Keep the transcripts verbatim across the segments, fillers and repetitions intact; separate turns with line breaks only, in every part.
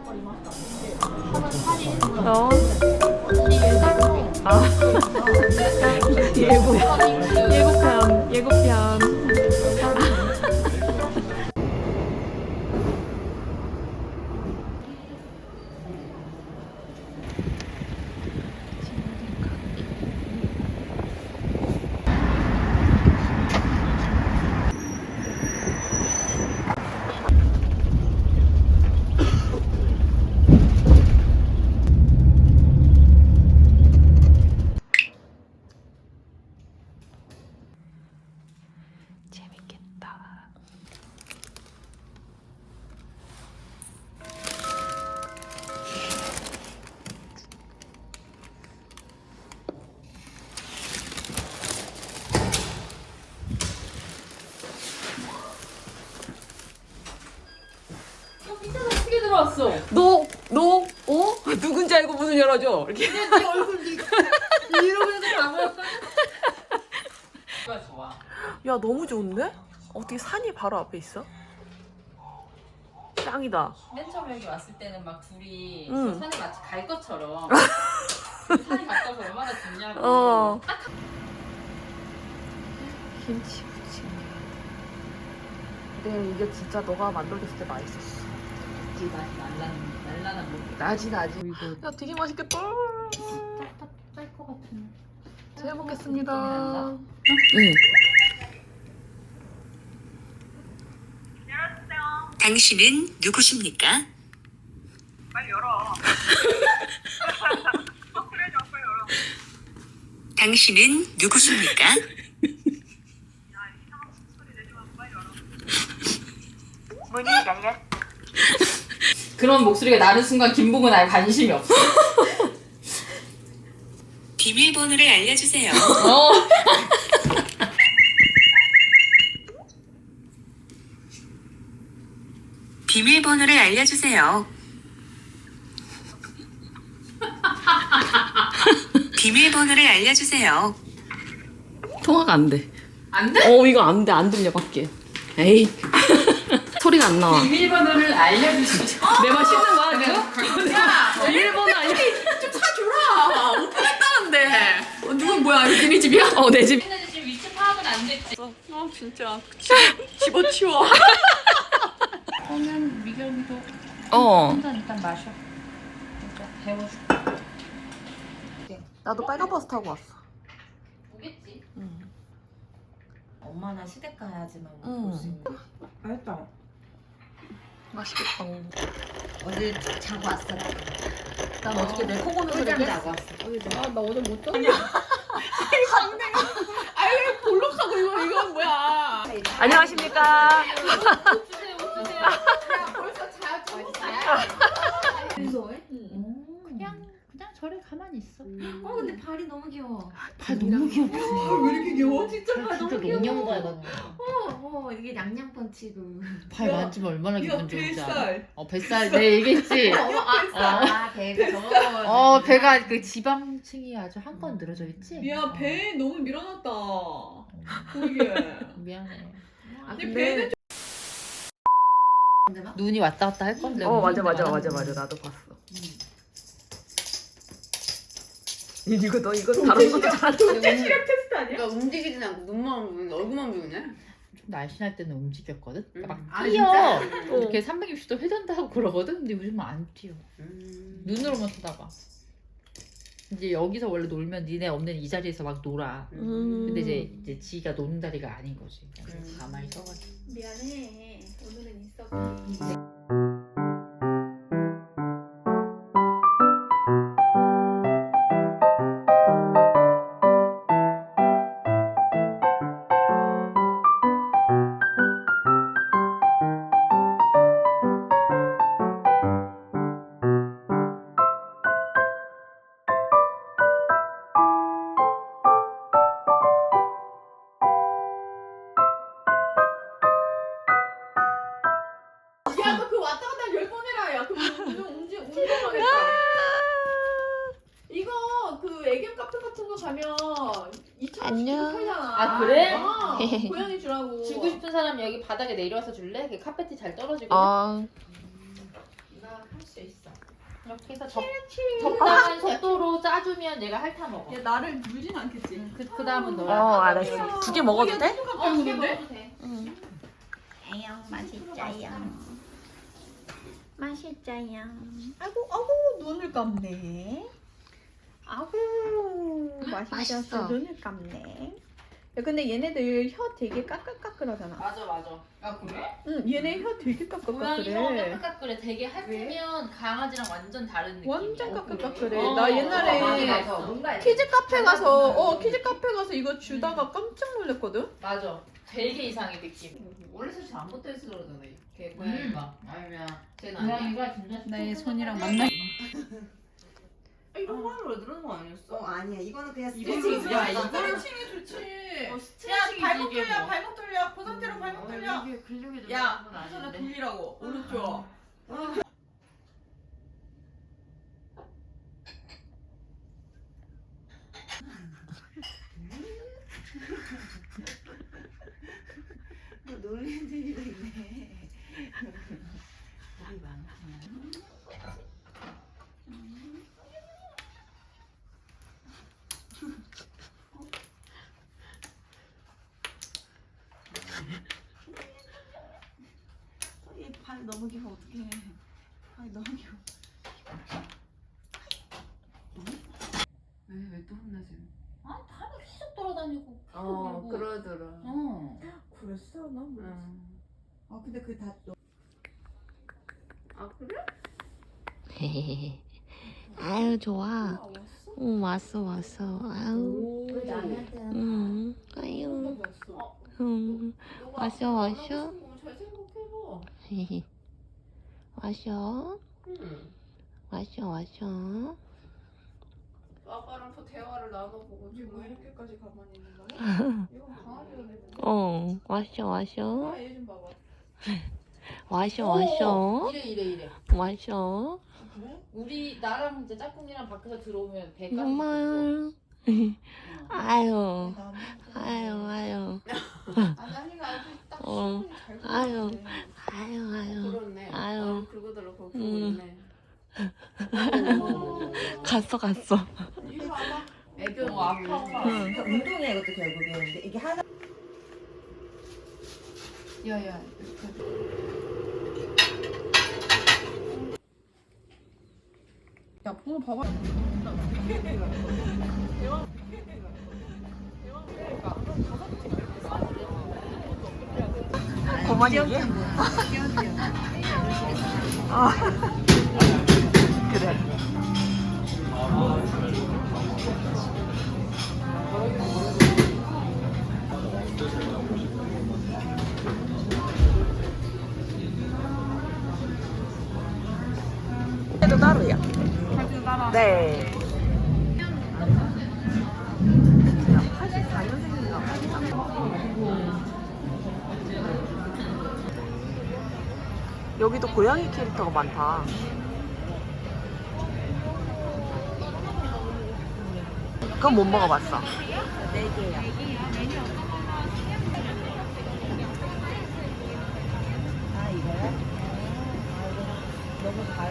어? 아. 예고. 예고편. 예고편. 재밌겠다.
어떻게 들어왔어?
너, 너, 어? 누군지 알고 문을 열어줘. 이렇게.
네 얼굴 이러고 해서 가면 좋아.
야, 너무 좋은데? 어떻게 산이 바로 앞에 있어? 짱이다.
맨 처음에 여기 왔을 때는 막 둘이
응.
저 산에 마치 갈 것처럼 산이 가까워서 얼마나 좋냐고.
어.
딱
김치 부침개. 근데 이게 진짜 너가 만들었을 때 맛있었어.
이 맛이 날라는 날라는 뭐
나지 나지. 야, 되게 맛있겠다.
딱딱짤것 같은.
잘 먹겠습니다. 응.
당신은 누구십니까?
빨리 열어. 그래, 좀 빨리 열어.
당신은 누구십니까?
야, 이상한 소리 내지 말고 빨리 열어.
문이 열렸.
그런 목소리가 나는 순간 김복은 아예 관심이 없어.
비밀번호를 알려주세요.
어.
비밀번호를 알려주세요. 비밀번호를 알려주세요.
통화가 안 돼.
안 돼?
어, 이거 안 돼. 안 들려, 밖에. 에이. 소리가 안 나와.
비밀번호를 알려주시죠.
내 말 씹는 거야, 지금?
야,
일본어 아니야?
좀 사줘라. 오픈했다는데. 어, 누군 뭐야? 니네 집이야?
어, 내 집.
근데 지금 위치 파악은 안 됐지.
어, 진짜. 집어치워.
그러면 미결미도
어.
한 잔 일단 마셔. 일단 배워줄게.
나도 빨간 버스 타고 왔어.
오겠지.
응.
엄마나 시댁 가야지만
응.
볼수 있는. 맛있다.
맛있겠다.
어제 자고 왔어.
난 어저께 내 코 고는 소리
자고 왔어.
아, 나 어제 못 잤냐? 아니, 왜 볼록하고 이거, 이건 뭐야. 안녕하십니까.
옷 주세요, 옷 주세요. 야, 벌써 자고 무서워해? 응. 그냥 그냥 저래 가만히 있어.
어 근데 발이 너무 귀여워.
발 너무 귀엽지.
왜 이렇게 귀여워? 진짜 발
진짜
너무 귀여워.
농년과에 같아.
어, 어 이게 양양 펀치고.
발 만지면 얼마나 기분 좋은지 알아?
뱃살.
어 뱃살 내 얘기했지.
아 배가 저거.
어 배가 그 지방층이 아주 한 건 늘어져 있지.
미안, 배 너무 밀어놨다. 보이게.
미안해.
아,
내 배는
눈이 왔다 갔다 할 건데.
어, 맞아, 맞아, 맞아, 맞아. 나도 봤어. 이거 너 이거 다른 것도 잘하는
시력 테스트 아니야?
그러니까 움직이진 않고 눈만 보이는 얼굴만 보이네.
좀 날씬할 때는 움직였거든. 그러니까 막
아,
뛰어.
진짜?
이렇게 삼백육십 도 회전도 하고 그러거든. 근데 요즘은 안 뛰어.
음.
눈으로만 쳐다봐. 이제 여기서 원래 놀면 니네 없는 이 자리에서 막 놀아.
음.
근데 이제 이제 지가 노는 자리가 아닌 거지. 그래서
음.
가만히 서가지고.
미안해. 오늘은 있어.
야, 너 그 왔다 갔다 열 번 해라. 야, 그 운동, 운동, 운동하겠다. 이거 그 애견 카페 같은 거 가면 이천 원씩
안녕.
팔잖아.
아, 그래?
어, 고양이 주라고.
주고 싶은 사람 여기 바닥에 내려와서 줄래? 그 카페트 잘 떨어지고.
아,
나
수 있어.
이렇게 해서 적, 적당한 속도로 짜주면 얘가 핥아 먹어.
얘 나를 물진 않겠지?
그, 그 다음은
어
너야.
알았어. 두 개 먹어도 돼?
어, 두개 먹어도 돼.
응.
아영 맛있자요. 맛있자요.
아이고 아이고 눈을 감네. 아구 맛있어.
맛있어.
눈을 감네. 야 근데 얘네들 혀 되게 까끌까끌하잖아.
맞아 맞아.
아 그래?
응 얘네 혀 되게
고양이 혀
까끌까끌해.
까끌까끌해. 되게 핥으면 강아지랑 완전 다른 느낌이야.
완전 까끌까끌해.
어,
나 옛날에
맞아, 뭔가
키즈 카페 가서 어 키즈 카페 가서 이거 주다가 깜짝 놀랐거든.
맞아. 되게 이상해 느낌.
원래 사실 안 붙어 있어 그러잖아. 걔 고양이가 아니면 쟤는
고양이가 진짜
내 손이랑 만나.
이런 말로 왜 들은 거 아니었어?
어 아니야 이거는 그냥
이거는
스트레칭
야,
있어.
이거는
칭이 좋지.
어, 스트레칭이지, 발목 이게 돌려, 뭐.
발목 돌려. 그 상태로 발목 돌려.
이게 근육이 좀
야,
건
손을
아닌데.
돌리라고. 오른쪽.
너 놀리는 재미가 있네. 우리 많구나. 얘발 너무 귀여워 어떡해. 발 너무 귀여워.
왜왜 또 혼나지?
아, 다리 계속 돌아다니고.
어
그리고-
그러더라.
어.
그랬어? 난 몰랐어.
응.
아 근데 그다 너.
아 그래?
아유 좋아. 응 왔어 왔어. 아유.
왜 나한테는
응. 아유. 응. 왔어 왔어.
잘 생각해봐.
왔어.
응.
왔어 왔어.
아빠랑 또 대화를 나눠보고 지금
왜 이렇게까지 가만히 있는 거야? 이건 강아지가 되는데.
어 왔어 왔어.
아, 얘 좀 봐봐.
왔어 왔어.
이래 이래 이래.
왔어.
우리 나랑 이제 짝꿍이랑 밖에서 들어오면 배까지.
정말. 아유. 아유 아유.
아나니가 아주 딱
어.
시간이 잘
아유.
걸렸네.
아유 아유.
그렇네.
아유.
어, 그거더라 거기 보고
음.
있네.
갔어 갔어.
이리 와봐.
애교 뭐 아파.
응.
그러니까 운동이야 이것도 결국에는. 근데 이게 하나.
야야. 야, 붕어 봐봐.
그만 얘기해. 아. 그래. 도 따로야. 네. 팔십사 년생인가? 여기도 고양이 캐릭터가 많다. 그건 못 먹어봤어.
네 개야. 아 이거야? 너무 달.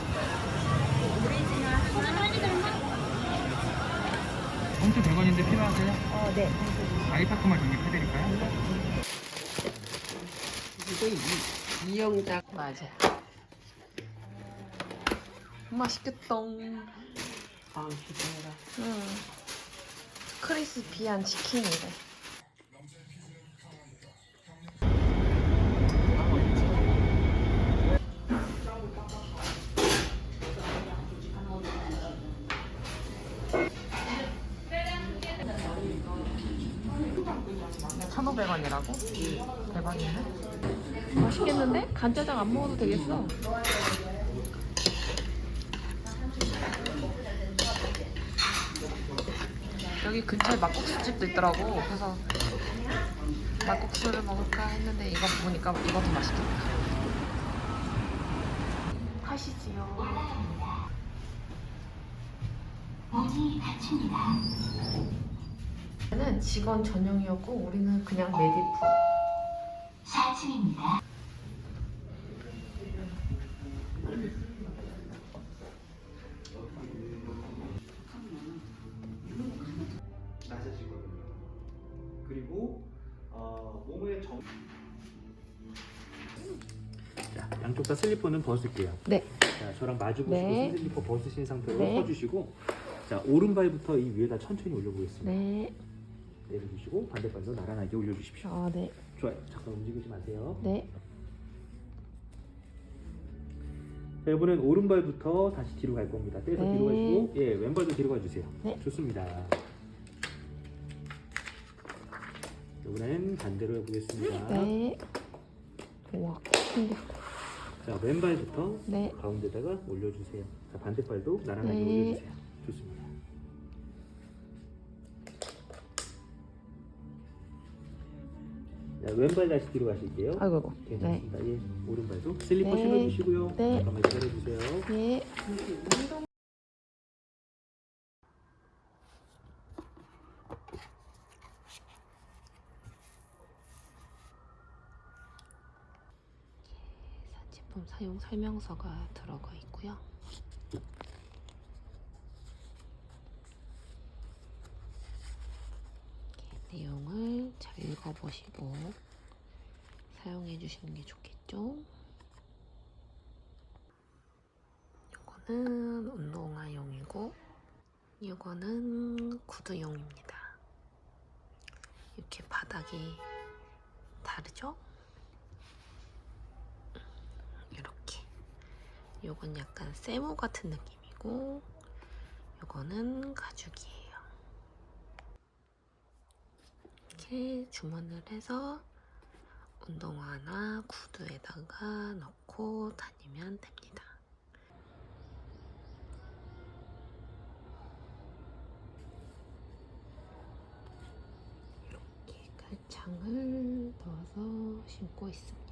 봉투 백 원인데 필요하세요?
어 네.
아이파크만 적립해드릴까요?
이거 이, 이영작 맞아.
맛있겠다.
아 기대해라.
응. 크리스피한 치킨이래. 천오백 원이라고? 대박이네. 맛있겠는데? 간짜장 안 먹어도 되겠어. 여기 근처에 막국수집도 있더라고. 그래서 막국수를 먹을까 했는데 이거 보니까 이거 더 맛있겠다. 타시지요. 문이 닫힙니다. 는 직원 전용이었고 우리는 그냥 메디프. 사 층입니다.
양쪽 다 슬리퍼는 벗을게요.
네.
자, 저랑 마주 보시고
네.
슬리퍼 벗으신 상태로
네.
서주시고, 자, 오른발부터 이 위에다 천천히 올려보겠습니다.
네.
내려주시고 반대발도 나란하게 올려주십시오.
아, 네.
좋아요. 잠깐 움직이지 마세요.
네.
자, 이번엔 오른발부터 다시 뒤로 갈 겁니다. 떼서
네.
뒤로 가시고, 예, 왼발도 뒤로 가주세요.
네.
좋습니다. 이번엔 반대로 해보겠습니다.
네. 우와. 신기해.
자, 왼발부터
네.
가운데다가 올려주세요. 자, 반대발도 나란하게
네.
올려주세요. 좋습니다. 자, 왼발 다시 뒤로 가실게요.
아이고, 아이고. 네.
괜찮습니다. 예, 오른발도 슬리퍼
네.
신어주시고요.
네.
잠깐만 기다려주세요.
네. 제품 사용 설명서가 들어가 있고요. 이렇게 내용을 잘 읽어보시고 사용해 주시는 게 좋겠죠. 이거는 운동화용이고 이거는 구두용입니다. 이렇게 바닥이 다르죠? 이렇게. 요건 약간 세모 같은 느낌이고 요거는 가죽이에요. 이렇게 주문을 해서 운동화나 구두에다가 넣고 다니면 됩니다. 이렇게 깔창을 넣어서 신고 있습니다.